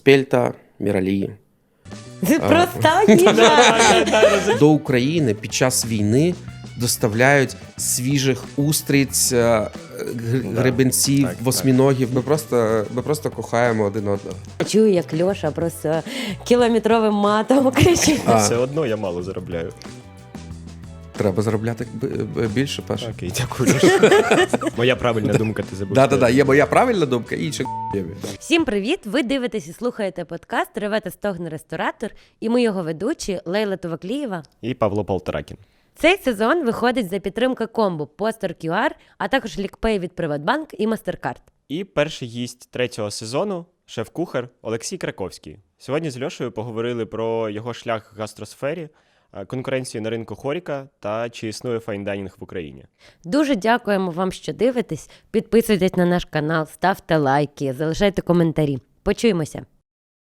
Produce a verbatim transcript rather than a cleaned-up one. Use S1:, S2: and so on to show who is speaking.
S1: Спельта, Міралії.
S2: Проста їжа.
S1: До України під час війни доставляють свіжих устриць, е, г-
S3: Да,
S1: гребенців,
S3: так,
S1: восьміногів. Ми просто, ми просто кохаємо один одного.
S2: Чую, як Льоша просто кілометровим матом кричить.
S1: А.
S3: Все одно я мало заробляю.
S1: Треба заробляти б- б- більше, Паша.
S3: Окей, дякую. Моя правильна думка, ти забув.
S1: Да-да-да, є моя правильна думка, інша ***єві.
S2: Всім привіт! Ви дивитесь і слухаєте подкаст «Реве та стогне ресторатор» і ми його ведучі Лейла Туваклієва.
S3: І Павло Полторакін.
S2: Цей сезон виходить за підтримки комбо Постер кю ар, а також Лікпей від Приватбанк і Мастеркард.
S3: І перший гість третього сезону – шеф-кухар Олексій Краковський. Сьогодні з Льошею поговорили про його шлях в гастросфері, конкуренцію на ринку хоріка та чи існує файндайнінг в Україні.
S2: Дуже дякуємо вам, що дивитесь. Підписуйтесь на наш канал, ставте лайки, залишайте коментарі. Почуємося!